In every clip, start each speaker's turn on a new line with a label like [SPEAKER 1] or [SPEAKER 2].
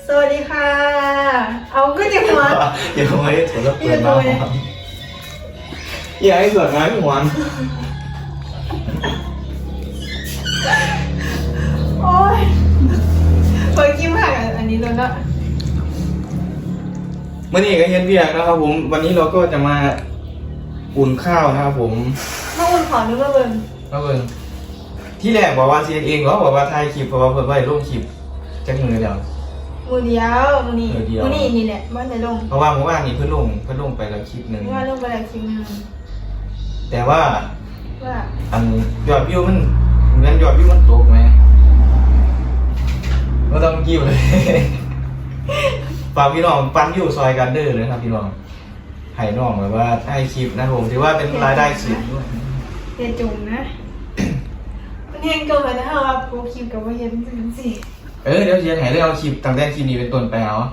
[SPEAKER 1] สวัสดีค่ะเอาก็จะหัว
[SPEAKER 2] อย่าไว้ถั่วแล้วเปิดมาหอมอย่าให้ส่วนงานหวาน
[SPEAKER 1] โอ้ยเปิดกิ้มหักอันนี้เลยนะ
[SPEAKER 2] เมื่อนี้ก็เย็นเบียกนะครับผมวันนี้เราก็จะมาอุ่นข้าวนะครับผม
[SPEAKER 1] มาอุ่นขอนึกว่าเบิ้ง
[SPEAKER 2] ที่แรกบอกว่าเซียนเองเหรอบอกว่าถ่ายคลิปเพราะว่าเพิ่นไว้ลงคลิปจักมือเดียว
[SPEAKER 1] มือเดียวมือนี้นี่แหละบ้านไหนลง
[SPEAKER 2] เพราะว่าเมื่อวานนี้เพิ่นลงไปแล้วคลิปนึง
[SPEAKER 1] ว่าลงไปแล้วคลิปนึง
[SPEAKER 2] แต่ว่าอันยอดวิวมันเหมือนยอดวิวมันตกไหมก็ต้องกิ้วเลยฝากพี่น้องปั้นวิวซอยกันเด้อเลยครับพี่น้องให้น้องแบบว่าให้คลิปนะผมถือว่าเป็นรายได้สิบด้วย
[SPEAKER 1] เดี๋ยวจุ่มนะมันแห้งเกินไปนะฮะว่าโปรคลิปกับว่าเย็นจริงสิ
[SPEAKER 2] เดี๋ยวเชียร์ให้เรื่องเอาคลิปตั้งแต่คลิปนี้เป็นต้นไป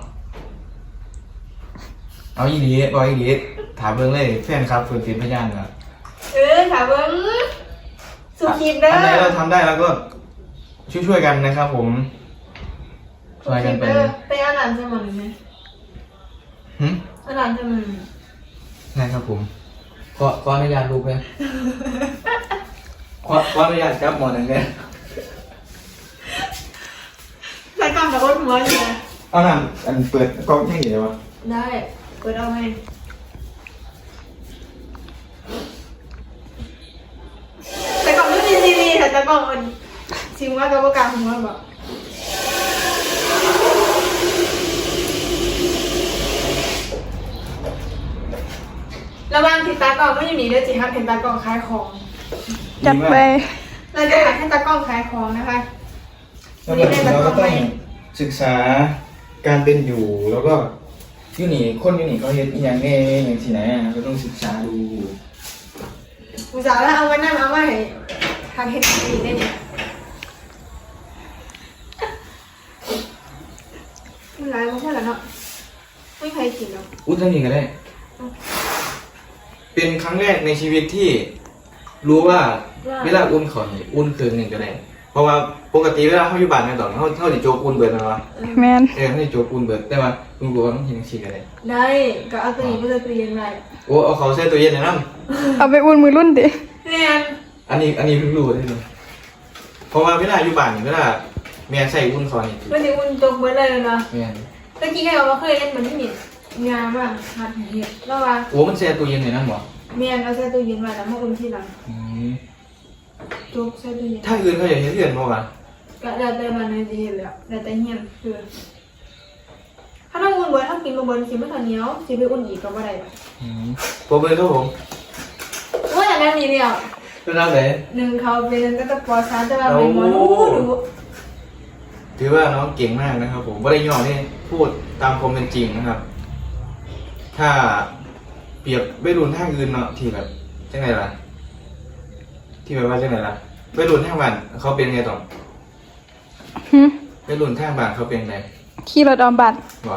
[SPEAKER 2] เอาอีดีบอกอีดีถามเบิ่งเลยแฟนครับเปิดเป็นพยานครับ
[SPEAKER 1] ถามเบิ่งสุคลิปเด้อ
[SPEAKER 2] อันไหนเราทำได้แล้วก็ช่วยกันนะครับผมช่วยกัน
[SPEAKER 1] ไปอาหารจะมันไหมอาหารจะมัน
[SPEAKER 2] นะครับผมขออนุญาตลูกเลยขออนุญาตครับหมอหนึ่งเลย
[SPEAKER 1] ใส่กล้องกับรถหัวอยู่นะ
[SPEAKER 2] เอาหน่ะอันเปิดกล้องให้เห็นไหม
[SPEAKER 1] ได้เปิดเอาไหมใส่กล้องไม่มีทีวีแต่ใส่กล้องมันชิมว่ากับว่ากลางหัวบอกระวังติดตากล้องไม่ยังมีด้วยจิครับเห็นตากล้องขายของ
[SPEAKER 3] จัดไป
[SPEAKER 1] เราจะหาให้ตากล้องขายของนะคะ
[SPEAKER 2] วันนี้เราก็ต้องศึกษาการเป็นอยู่แล้วก็ยูนี่คนยูนี่เขาเฮ็ดอย่างแน่อย่างที่ไหนก็ต้องศึกษาดู
[SPEAKER 1] อุตส่าห์แล้วเอาไว้นั่นเอาไว้ทำเฮ็ดดีได้เนี่ยมันร้ายมากแล้วเนาะไม่ใครกินหรอก
[SPEAKER 2] อุ้ยท่านนี้ก็ได้เป็นครั้งแรกในชีวิตที่รู้ว่าเวลาอุ่นขอนอุ่นคืนหนึ่งก็ได้เพราะว่าปกติเวลาเขาอยู่บ้านแม่ต่อเขาจะโจกอุ่นเบิดนะวะ
[SPEAKER 3] แมน
[SPEAKER 2] เขาจะโจกอุ่นเบิดแต่ว่าคุณบอกว่าต้องเห็นชีกันเลย
[SPEAKER 1] ได้ก็เอาตัวนี้ไปเรียนได้
[SPEAKER 2] โอ้เอาเขาใส่ตัวเย็นเลยนั่น
[SPEAKER 3] เอาไปอุ่นมือรุ่นดิ
[SPEAKER 1] เนี่ย
[SPEAKER 2] อันนี้เพิ่งรู้ได้เลยเพราะว่าเวลาอยู่บ้านเวลาแม่ใส่อุ่นขอนนี่
[SPEAKER 1] ไม่ได้อุ่นโจกเบิดเลยเนาะ
[SPEAKER 2] แม่
[SPEAKER 1] ตะกี้แกบอกว่าเคยเล่นมันที่มีงานบ้างหัดเห็ดแล้วว่า
[SPEAKER 2] โอ้มันแช่ตัวเย็นเลยนั่นหรอ
[SPEAKER 1] เมียนเอาใส่ตู้เย็นไว้แล้วมาอุ่นที่หลังโจกใส่ตู้เย็น
[SPEAKER 2] ถ้าอื่นเขาอยากเห็นเรื่องมั้งวะ
[SPEAKER 1] ก็แล้วแต่มันในที่เห็นแล้วแล้วแต่เฮียนคือถ้าต้องอุ่นเบิร์ถ้ากินมาเบิร์สิไม่ทันเหนียวสิไปอุ่นอีกก็ไม่ได้
[SPEAKER 2] โปรเบอร์ครับผม
[SPEAKER 1] ว่าอย่างนั้นนี่เดียว
[SPEAKER 2] เป็นอะไร
[SPEAKER 1] หนึ่งเขาเป็นตั้งแต่ป.3จะมาเป็นหมอดู
[SPEAKER 2] ถือว่าน้องเก่งมากนะครับผมว่าได้ย่อนี่พูดตามความเป็นจริงนะครับถ้าเปรียบวัยรุ่นทางอื่นเนาะที่แบบจังไงล่ะที่แบบว่าจังไงล่ะวัยรุ่นทางบ้านเขาเป็นไงต่อวัยรุ่นทางบ้านเขาเป็นไง
[SPEAKER 3] ขี่รถออมบัตร
[SPEAKER 2] วะ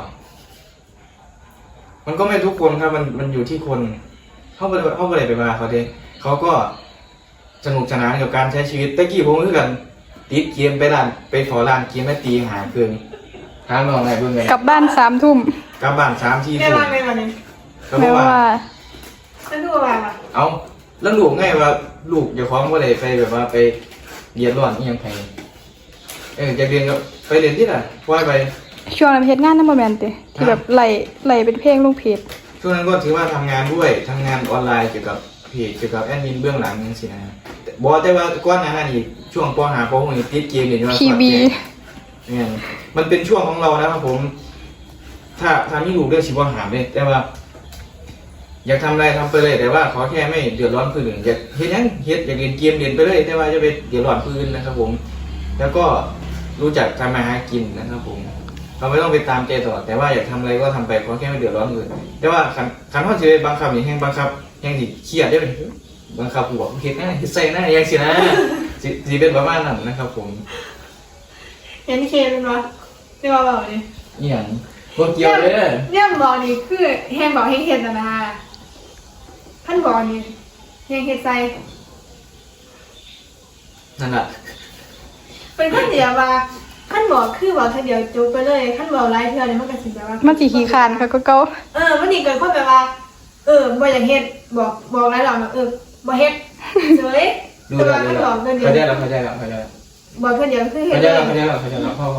[SPEAKER 2] มันก็ไม่ทุกคนครับมันอยู่ที่คนเขาไปไปมาเขาเด้เขาก็สนุกสนานกับการใช้ชีวิตตะกี้ผมคือกันติดเกมไปขอร้านเกมแม่ตีหาเกินทางนอนไหนเพิ่งไง
[SPEAKER 3] กลับบ้าน3 ทุ่ม
[SPEAKER 2] กลับบ้าน3 ที
[SPEAKER 1] ไม่ว่าไม่ว่าเนี่ย
[SPEAKER 3] ไม่ว่า
[SPEAKER 1] แล้วดูอะไรวะ
[SPEAKER 2] เอาแล้วลูกไงว่าลูกอย่าคล้องว่าอะไรไปแบบว่าไปเรียนร้อนยังไงจะเรียนก็ไปเรียนที่ไหนว่าไป
[SPEAKER 3] ช่วงนั้นเพจงานนั่นโมเมนต์ที่แบบไหลเป็นเพลงลงเพจ
[SPEAKER 2] ช่วงนั้นก็ถือว่าทำงานด้วยทำงานออนไลน์เกี่ยวกับเพจเกี่ยวกับแอดมินเบื้องหลังนั่นสินะบอกแต่ว่าก้อนนั้นอีกช่วงป.5 ป.6นี่ติดเกมเนี่ยว่าเนี่ยมันเป็นช่วงของเรานะครับผมถ้ามีลูกเรื่องชีวะหามเลยแต่ว่าอยากทำอะไรทำไปเลยแต่ว่าขอแค่ไม่เดือดร้อนผู้อื่นอยากเฮ็ดยังเฮ็ดอยากเรียนเกมเรียนไปเลยแต่ว่าจะไปเดือดร้อนผู้อื่นนะครับผมแล้วก็รู้จักทำมาหากินนะครับผมเราไม่ต้องไปตามใจตลอดแต่ว่าอยากทำอะไรก็ทำไปขอแค่ไม่เดือดร้อนผู้อื่นแต่ว่าขันว่าจะไปบังคับอย่างแห้งบังคับแห้งสิเครียดได้เลยบังคับหัวเฮ็ดหน้าใส่หน้าอย่างสินะสิเป็นประมาณนั้นนะครับผม
[SPEAKER 1] ยันเคเป็นวะที่ว่าบอกนี่
[SPEAKER 2] อย่างพวกเกี่ยวเลย
[SPEAKER 1] เนี่ยบอกนี่คือแห้งบอกแห้งเห็ดนะท่านบอกนี่แห้งเห็ดใส่
[SPEAKER 2] นั่นแหละ
[SPEAKER 1] เป็นข้าวเหนียวว่าขขั้นบอกคือบอกทีเดียวจบไปเลยขั้นบอกไล่เทื่อเนี่ยมันก็สิแบบว่า
[SPEAKER 3] มันสิขี้คร้านค่ะก็เก่า
[SPEAKER 1] มันนี่เกิดความแบบว่าบ่อยากเฮ็ดบอกหลายรอบแล้วบ่เฮ็ดเฉย
[SPEAKER 2] ดู
[SPEAKER 1] แต่
[SPEAKER 2] แล้
[SPEAKER 1] ว่าขั้นบอกเกินเดียว
[SPEAKER 2] เข้าใจแล้วเข้าใจแล้วเข้าใจแล้ว
[SPEAKER 1] บอกเกินเดียวคือเฮ็
[SPEAKER 2] เข้า
[SPEAKER 1] ด
[SPEAKER 2] ใจ
[SPEAKER 1] เล
[SPEAKER 2] แล้ว
[SPEAKER 1] ย
[SPEAKER 2] เข้าใจแล้วเข้าใจแล้วพ่อ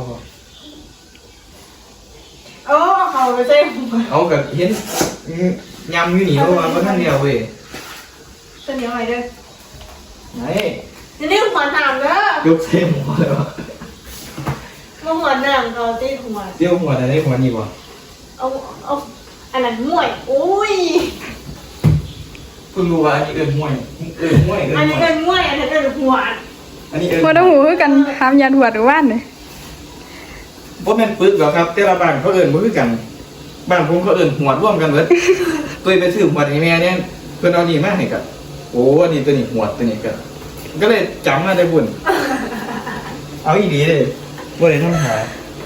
[SPEAKER 1] เขาไปใส่หัว
[SPEAKER 2] เอากับเห็นยำอยู่นี่เพราะว่าท่านเดียวเว้ย
[SPEAKER 1] ตัวเหนียวหน่อยเด้อ
[SPEAKER 2] ไหน
[SPEAKER 1] จะนี่หัวหนามเด้อย
[SPEAKER 2] กเส้นหัวเลยวะ
[SPEAKER 1] มาหัวหนามเขาตีหัว
[SPEAKER 2] เดี่ยวหัวแต่ได้หัวนี่บ่
[SPEAKER 1] เอาอันนั้นมวยอุ้ย
[SPEAKER 2] เพิ่งรู้ว่าอันนี้เอิ้นห้วยห้วย
[SPEAKER 1] อันนี้เป็นมวยอันนั้นเป็นหัว
[SPEAKER 2] อันนี้เอิ้น
[SPEAKER 3] บ่ต้องหูคือกันหามยาดวดหรือว่านนี่
[SPEAKER 2] บ่แม่นปึกหรอกครับแต่ละบ้านเขาเอิ้นบ่คือกันบ้านผมเขาเอิ้นหัวร่วมกันเบิดตัวไปซื้อหัวให้แม่เนี่ยเพิ่นเอานี่มาให้กับโอ้อันนี้ตัวนี้หัวตัวนี้ก็เลยจำมาได้บุญเอาอีดีเลยบ่ได้ทำหา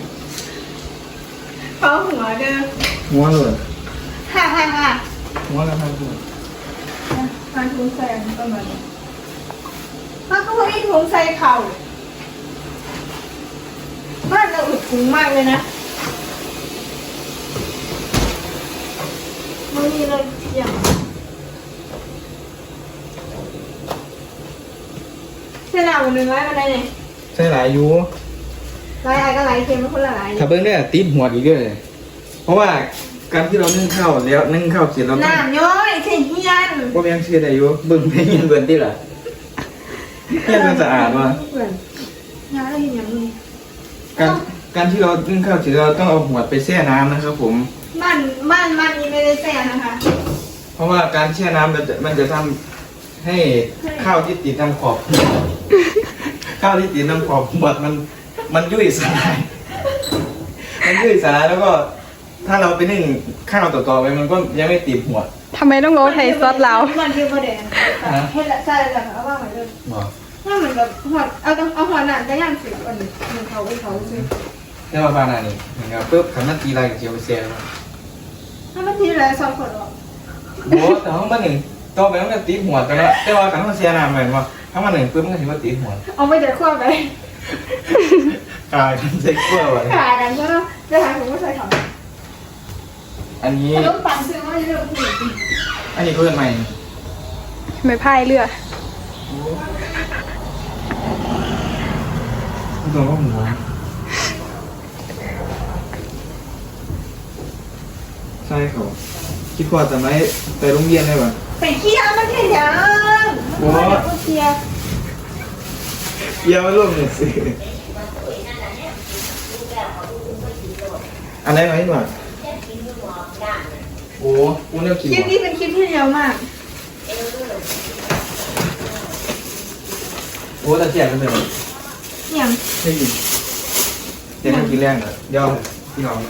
[SPEAKER 1] เขาหัวเด้อ
[SPEAKER 2] หัวเลย
[SPEAKER 1] ฮ่า
[SPEAKER 2] หัวแล้วทำบุญ
[SPEAKER 1] ทานถุงใส่ประมาณนี้มันก็ไม่ถุงใส่เข่าบ้านเราอึดถุงมากเลยนะมันมีเลยอย่างเส้นหนาหนึ่งร้อยมาได้เนี่ย
[SPEAKER 2] ใช่หลายอยู่
[SPEAKER 1] ลายอะไรก็ลายเค็มไม่คนละลาย
[SPEAKER 2] ถ้าเบิ่งได้ติดหัวอีกเด้อเลยเพราะว่าการที่เรานึ่งข้าวแล้วนึ่งข้าวเสร็จเราต้อง
[SPEAKER 1] น้ำย้อยเทียนเฮียน
[SPEAKER 2] บ่แม่นเชื่อได้อยู่เบิ่งไปเห็นเบิ่นติล่ะเฮ็ดมันสะอาดว่ะ
[SPEAKER 1] เหมือนน้ำเราเห็นอย่างนี้
[SPEAKER 2] การที่เรานึ่งข้าวเสร็จเราต้องเอาหัวไปแช่น้ำนะครับผม
[SPEAKER 1] บ้านนี้ไม่ได้แซ่นะคะ
[SPEAKER 2] เพราะว่าการแช่น้ำมันจะทำให้ข้าวที่ติดน้ำขอบข้าวที่ติดน้ำขอบหมดมันยุ่ยสลายมันยุ่ยสลายแล้วก็ ถ้าเราไปนึ่งข้าวต่อๆไปมันก็ยังไม่ติดหัว
[SPEAKER 3] ทำไมต้องเอาไทยซอสลาว
[SPEAKER 1] มันเดียวประเด็นเฮ็ดละใช่แล้วเอาว่าเหมือนเดิม
[SPEAKER 2] บ่
[SPEAKER 1] ถ้าเหมือนกับหัวเอาหัวหนามจะย่างเสียอันนี้มันเขาซื้อ
[SPEAKER 2] แต่ว่าบานานี่นะครับปุ๊บขันมันตีลายกับเจียวไปแช่แล้ว
[SPEAKER 1] ถ้ามันทีละ2 คนหรอ
[SPEAKER 2] โอ้แต่ห้องบ้านหนึ่งต่อไปมันก็ติดหัวกันแล้วแต่ว่าขันมันแช่น้ำเหมือนว่าถ้ามันหนึ่งปุ๊บมันก็ถือว่าติดหัว
[SPEAKER 1] เอาไปจากขั้วไป
[SPEAKER 2] กลายเป็นเซ็กซ์เวอร์ไว้
[SPEAKER 1] ขากันใช่ไหมจะหาผมก็ใส่เขา
[SPEAKER 2] อันนี้
[SPEAKER 1] ขนมปังซื้อมาเยอะผู้หญิง
[SPEAKER 2] อันนี้เพื่อนใหม่
[SPEAKER 3] ไม่พายเรือ
[SPEAKER 2] ตัวก็หัวใช่เขาคิดว่าจะไม่ไปโรงเรียนได้ป่ะ
[SPEAKER 1] ไปเที่ยวมันแค่ยังเที่ยว
[SPEAKER 2] เยี่ยมร่วมหนึ่งสิอันไหนมาให้หน่อยโอ้กูเนี่ยกิน
[SPEAKER 1] คลิปนี้เป็นคลิปที่เร็วมาก
[SPEAKER 2] โอ้ตะเกียบกันเลย
[SPEAKER 1] อย่าง
[SPEAKER 2] ไม่กินเดี๋ยวกินแรงเลยเดี๋ยวพี่น้อง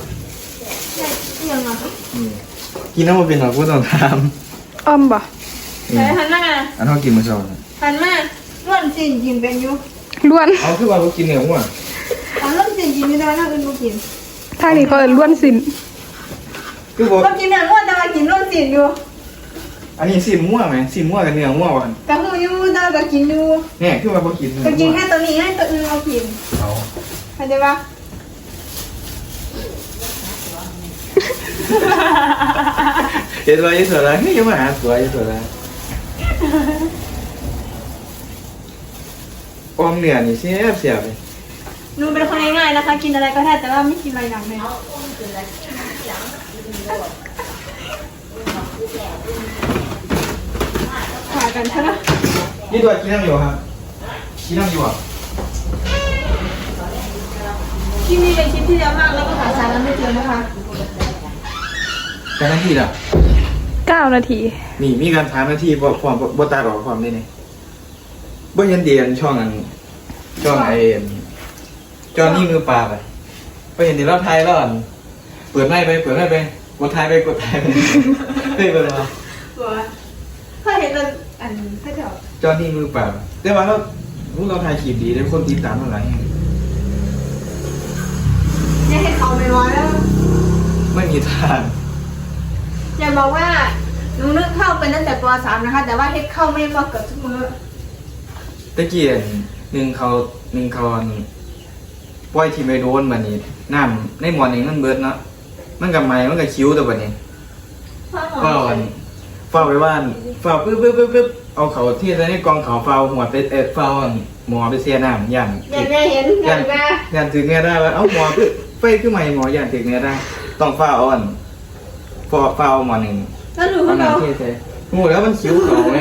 [SPEAKER 1] อย่างอ่ะ
[SPEAKER 2] กินน้ำมันเป็นหรอกูต้องท
[SPEAKER 3] อ้อมบ่
[SPEAKER 2] ำ
[SPEAKER 1] แต่หันมา
[SPEAKER 2] อันเขากินมาชอบ
[SPEAKER 1] หันมาร่วนสินกินเป็นอยู่
[SPEAKER 3] ล้วน
[SPEAKER 2] เอาคือว่าเขากินเหนียวอ่ะ
[SPEAKER 1] เอาร่วนสินกินไม่ได้น่าอื่นบ่กิน
[SPEAKER 3] ทางนี้เขาเอิ้นล้วนสิน
[SPEAKER 2] คือบอก
[SPEAKER 1] ก็กินเนื้อร่วนแต่ว่ากินร่วนสินอยู่
[SPEAKER 2] อันนี้สินมั่วไหมสินมั่วกับเนื้อมั่ววัน
[SPEAKER 1] กะหูอยู่แต่ก็กินอยู่
[SPEAKER 2] เนี่ยคือว่าเขากิน
[SPEAKER 1] ก็กินแค่ตัวนี้ให้ตัวอื่นเอากิน
[SPEAKER 2] เอา
[SPEAKER 1] เข้าใจปะ
[SPEAKER 2] เดี๋ยวตัวยี่สิบแล้วนี่ยังมาหาตัวยี่สิบแล้วออมเหนือนี่เสียบเลย
[SPEAKER 1] หนูเป็นคนง่ายๆนะคะ กินอะไรก็ได้แต่ว่าไม่กินอะไรอย่างเลยขากันใช่ไหม
[SPEAKER 2] นี่ตัวกินน้ำอยู่ครับกินน้ำอยู่อ่ะ
[SPEAKER 1] คลิปนี้เป็นคลิปที่เร็วมากแล้วก็หาสาระไม่เจอนะคะ
[SPEAKER 2] แต่หน้าที่ล่ะ
[SPEAKER 3] 9 นาที
[SPEAKER 2] นี่มีการถามหน้าที่ความบ่ตาหรอกความได้เนี่ยบ่เห็นเดียนช่องอันช่องไอเอ็นจอนี่มือปลาไปเห็นเดี๋ยวเราไทยแล้วอันเปิดไม้ไปกดไทยไปเฮ้ยเปิดมา
[SPEAKER 1] ตัวถ้าเห็นเราอันถ้าเถอะ
[SPEAKER 2] จอนี่มือปลาแต่ว่าเราถ่ายคลิปดีได้คนติดตามเท่าไหร่
[SPEAKER 1] อย่าให้เขาไปร้อยแล้ว
[SPEAKER 2] ไม่มีทาง
[SPEAKER 1] อย่าบอกว่าหนูนึกเข้าเป็นตั้งแต่ป .3 นะคะ แต่ว่าเฮ็ดเข้าไม่พอเกือบทุกมื้อ
[SPEAKER 2] ตะเกียนหนึ่งเขาปล่อยที่ไปโดนบัดนี้น้ำในหมอนี่มันเบิดเนาะมันก็ไหม้มันก็คิ้วแต่บัดนี้ก็ฝ้าไว้บ้านฝ้าปึ๊บเอาเขาที่ในกองเขาฝ้าหัวไปฝ้าหมอไปเสียน้ำย่าน
[SPEAKER 1] อย่างแม่เห็นอย่างแม่
[SPEAKER 2] ย่านถึงเนี่ยได้ว่าเอ้าหมอคือไฟคือใหม่หมอย่านถึงเนี่ยได้ต้องฝ้าอ่อนฝ้าหมอนึง
[SPEAKER 1] แล้วดู
[SPEAKER 2] เอา
[SPEAKER 1] เขา
[SPEAKER 2] น้ำเทใส่งูแล้วมันคิ้วเขาไง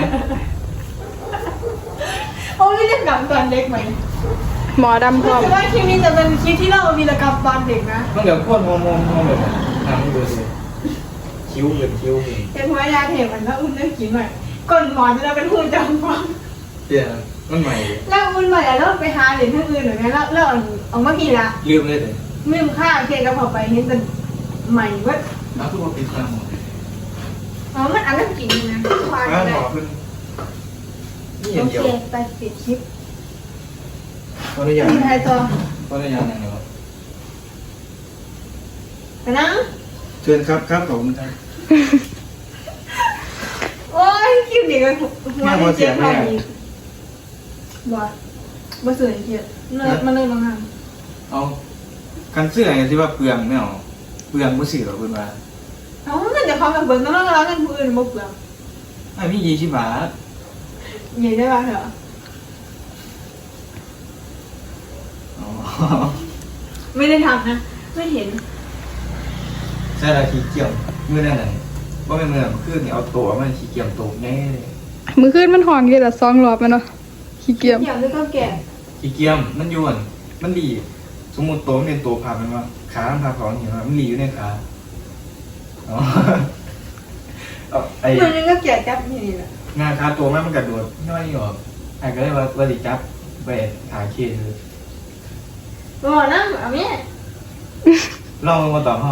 [SPEAKER 1] โอ้ไม่ได้กลับตอนเด็กไหม
[SPEAKER 3] หมอดำพร้อม
[SPEAKER 1] แต่ว่าคลิปนี้จะเป็นคลิปที่เราวีรกรรมตอนเด็กนะ
[SPEAKER 2] มันเดี๋ยวโคตรมองแบบน้ำดูสิคิ้วเป็น
[SPEAKER 1] เป็นเพราะยาเห็บมันแล้วอุ่นได้กินหน่อยก่อนหมอนจะเป็นหุ่นจำฟัง
[SPEAKER 2] เดี๋ยวมันใหม่
[SPEAKER 1] แล้วอุ่นใหม่แล้วไปหาเหรียญที่อื่นหรือไงแล้วเอามากี่ละ
[SPEAKER 2] ลืมเลยเลย
[SPEAKER 1] ลืมค่าเคกับพอไปเห็นแต่ใหม่เว้ย
[SPEAKER 2] แล้วทุกคนปิดตาหมด
[SPEAKER 1] อ๋อมันอันนั้นกินนะควาย
[SPEAKER 2] ห
[SPEAKER 1] เลย
[SPEAKER 2] มอขึ้นนี่
[SPEAKER 1] โอ
[SPEAKER 2] เดียว
[SPEAKER 1] เคไปปิดคลิป
[SPEAKER 2] ตอนนี้ยัง
[SPEAKER 1] มีใครต่อ
[SPEAKER 2] ตอนนี้ยังไงครับ
[SPEAKER 1] ไปนั่ง
[SPEAKER 2] เชิญครับขอบคุณครับ
[SPEAKER 1] โอ้ยคลิปนี้ก็หัวเจ็บพอดีบ่เสื่อเกียรมาเลยบางงาน
[SPEAKER 2] เอากันเสื้ออย่างที่ว่าเปลืองไม่เอาเปลืองมือสื่อหรอคุณว่า
[SPEAKER 1] เอาเงินจะเขาแบบเบิร์นต้องร้องเงินผู้อื่นบ่เปลือง
[SPEAKER 2] ไอ้พี่20 บาท
[SPEAKER 1] ใหญ่ได้ป่ะเหรอ
[SPEAKER 2] อ๋อ
[SPEAKER 1] ไม่ได้ทำนะไม่เห็น
[SPEAKER 2] ใช่ละขี้เกียจมือนั่นไหนว่าเป็นมือขึ้นเอาตัวมันขี้เกียจตกแน่เลย
[SPEAKER 3] มือขึ้นมันห่องอยู่ละ2 รอบแม่นเนาะขี้เกียจ
[SPEAKER 1] อย่างนี้ก็แก่
[SPEAKER 2] ขี้เกียจมันยวนมันดีสมมติตัวมันเป็นตัวพับมันว่าขามันพับของเห็นว่ามันหลีอยู่ในขาอ๋อเอาไอ้
[SPEAKER 1] มันก็แก่จับนี่แหละ
[SPEAKER 2] งานขาตัวมันกระโดดน้อยออกไอ้ก็เลยว่าดิจับไปขาเคคือ
[SPEAKER 1] บอกนะเอาเนี่ย
[SPEAKER 2] ลองมาต่อห้อย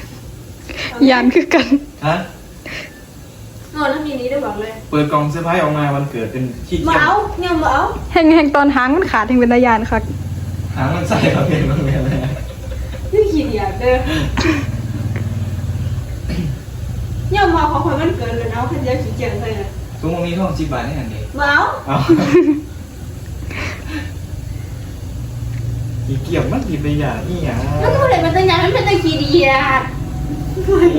[SPEAKER 3] านคือกัน
[SPEAKER 2] ฮะ
[SPEAKER 1] นอนถ้ามีนี้ได้บอกเลย
[SPEAKER 2] เปิดกล่องเสื้อผ้าออกมาวันเกิดเป็นขี้
[SPEAKER 1] มา
[SPEAKER 2] เกียจ
[SPEAKER 1] เอาเนี่ยมาเอา
[SPEAKER 3] แห่งตอนหางมันขาดแห่งเป็นตายานคัก
[SPEAKER 2] หางมันใส่เราเป็นมันเป็นอะไร
[SPEAKER 1] นี่ขี้เดียดเด้อเนี่ยมาของคนมันเกินเลยนะพันยาขี้เกียจเลยนะ
[SPEAKER 2] ทุกวันนี้ท่อง10 บาทนี่อย่างเดียว
[SPEAKER 1] มาเอา
[SPEAKER 2] เอาขี้เกียจมันกินไปอย่างนี้อย่าง
[SPEAKER 1] แล้วก็เลยมันเป็นอย่างนั้นเป็นตะขี้เดียด
[SPEAKER 2] โอ้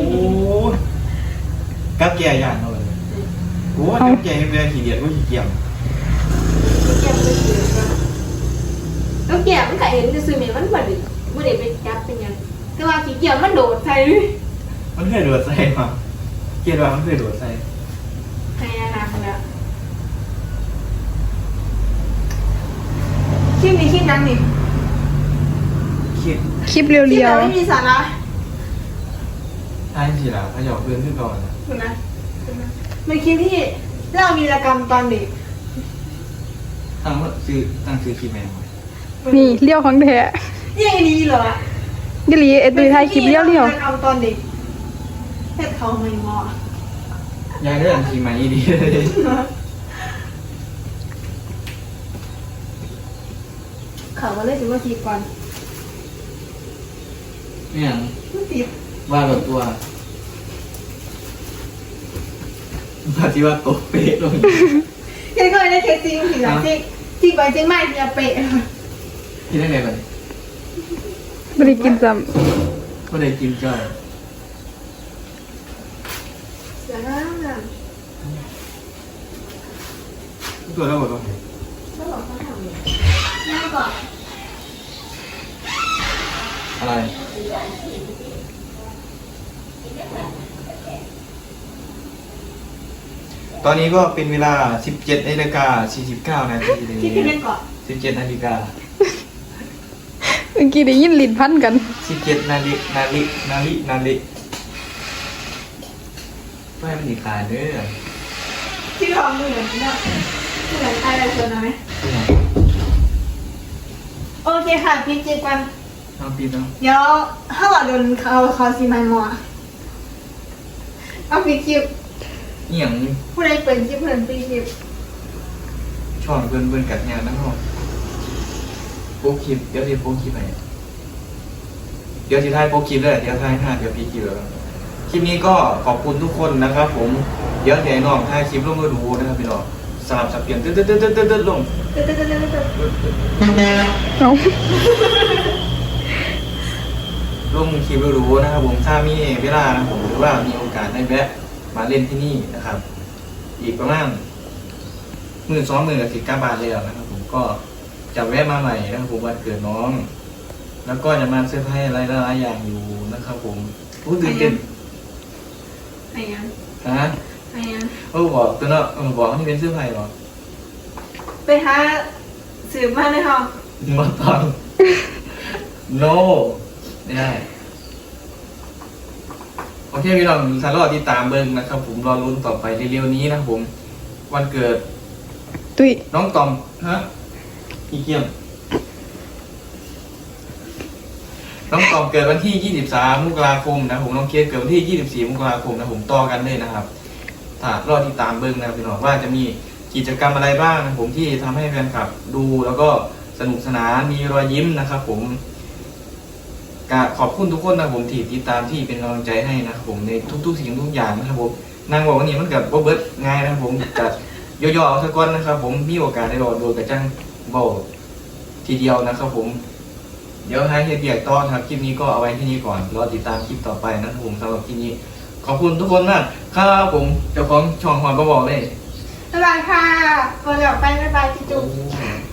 [SPEAKER 2] กับแก่อย่างเอาเลยโอ้กับแก่เป็นขี้เกียจก็ขี้เกียจ
[SPEAKER 1] แก่มันเกินแล้วแก่มันก็เห็นจะซื้อเมียมันบ่ได้ไปจับเป็นยังแต่ว่าขี้เกียจมันโดดใส่
[SPEAKER 2] มันเคยโดดใส่มาเกียจว่ามันเคยโดดใส่
[SPEAKER 1] ให้อาหารแล้วคลิปนี้คลิปนั้นนี่
[SPEAKER 2] คิด
[SPEAKER 3] คลิปเรี
[SPEAKER 1] คลิป
[SPEAKER 3] ยว
[SPEAKER 1] เราไม่มีสาระ
[SPEAKER 2] ท้ายสิล่ะเขาจะเอาเพื่อนขึ้นก่อนนะ
[SPEAKER 1] ถูกนะเป็นคลิปที่เรามีรกรรมตอนเด็ก
[SPEAKER 2] ตั้งซื้อคลิปแมว
[SPEAKER 3] ๆนี่เลี้ยวของแท้
[SPEAKER 1] ยังดีเหรอ
[SPEAKER 3] ดิลีไอ้ตุ้ยถ่ายคลิปเลี้ยว
[SPEAKER 1] มีรกรรมตอนเด็กเพชรเขาไม่งอย
[SPEAKER 2] ายเรื่องทีใหม่ดีเลย
[SPEAKER 1] เขามาเลยถึงว่าทีก่อน
[SPEAKER 2] เนี่ย
[SPEAKER 1] ไม่ติด
[SPEAKER 2] ว่าแบบตัวว่าที่ว่าโตเป๊ะลง
[SPEAKER 1] แค่ก็เลยได้เคสจริงถึงหลังจริงไปจริงไม่จะเป๊ะ
[SPEAKER 2] กินได้ไงบ้าง
[SPEAKER 3] บ่ได้กินซ้
[SPEAKER 2] ก็ได้กินจ้อย
[SPEAKER 1] เสียห้ามนะ
[SPEAKER 2] ตัวแล้วหมดแล้ว
[SPEAKER 1] ไม่บอกเขาทำเลยนั่งก่อน
[SPEAKER 2] อะไรตอนนี้ก็เป็นเวลา 17:49 นาทีเลย
[SPEAKER 1] ที่ขึ้นเล่นก่อน
[SPEAKER 2] 17 นาฬิกา
[SPEAKER 3] ำเมื่อกี้ได้ยินลิ้นพันกัน
[SPEAKER 2] 17 นาฬิไม่มันอีกขาดเด้อ
[SPEAKER 1] ที่เราเหมือนเนี่ยเหมือนอะไรชวนไหมโอเคค่ะพี่จีกัน
[SPEAKER 2] น้องปีนเนาะ
[SPEAKER 1] เดี๋ยวถ้าว่าโดนเขาซีไมมัวเอาปีคลิป
[SPEAKER 2] นี่อย่าง
[SPEAKER 1] ผู้ใดเปิดคลิปเปิดปีคลิป
[SPEAKER 2] ช่องเพื่อนกัดงานนั่งห้องโป๊กคลิปเดี๋ยวที่โป๊กคลิปไหนเดี๋ยวที่ท้ายโป๊กคลิปเลยเดี๋ยวท้าย5เดี๋ยวพี่คลิปแล้วคลิปนี้ก็ขอบคุณทุกคนนะครับผมเดี๋ยวให้น้องท้ายคลิปลงมาดูนะครับพี่น้องสลับสับเปลี่ยนตึ๊ดลง
[SPEAKER 1] เต้น
[SPEAKER 3] เอ้า
[SPEAKER 2] ร่วมมือคลิปรู้ๆนะครับผมถ้ามีเวลานะผมหรือว่ามีโอกาสได้แวะมาเล่นที่นี่นะครับ อีกประมาณ12 มื้อกับสิบ9 บาทแล้วนะครับผมก็จะแวะมาใหม่นะครับผมวันเกิดน้อง แล้วก็จะมาเซอร์ไพรส์อะไรหลายๆอย่างอยู่นะครับผมรู้ตื่นเต้น
[SPEAKER 1] ไอ้ยัง
[SPEAKER 2] ฮะ
[SPEAKER 1] ไอ้ยัง
[SPEAKER 2] บอกตัวเนาะบอกว่านี่เป็นเซอร์ไพรส์หรอ
[SPEAKER 1] ไปหาสืบมาเลยค่ะ
[SPEAKER 2] มาตอน no ไม่ได้โอเคพี่น้องสารอติดตามเบิ้งนะครับผมรอรุ้นต่อไปเร็วๆนี้นะครับผมวันเกิด
[SPEAKER 3] ตุ้ย
[SPEAKER 2] น้องตอมฮะอีเกียมน้องตอมเกิดวันที่ 23 มกราคมนะผมน้องเคสเกิดวันที่ 24 มกราคมนะผมต่อกันเลยนะครับถ้ารอติดตามเบิ้งนะพี่น้องว่าจะมีกิจกรรมอะไรบ้างนะผมที่ทำให้แฟนคลับดูแล้วก็สนุกสนานมีรอยยิ้มนะครับผมขอบคุณทุกคนนะผมที่ติดตามที่เป็นกำลังใจให้นะครับผมในทุกๆสิ่งทุกอย่างนะครับผมนางบอกว่านี่มันกับเบิร์ดง่ายนะครับผมจะย่อๆเอาสักก้อนนะครับผมมีโอกาสได้รอดูกระจังเบาทีเดียวนะครับผมเดี๋ยวให้เฮียเบียกต่อครับคลิปนี้ก็เอาไว้ที่นี้ก่อนรอติดตามคลิปต่อไปนะครับผมสำหรับคลิปนี้ขอบคุณทุกคนมากครับผมเจ้าของช่องหอยก็บอกเลย
[SPEAKER 1] บ๊ายบายค่ะก่อนจะออกไปบ๊ายบายจิจุ๊บ
[SPEAKER 2] โอ้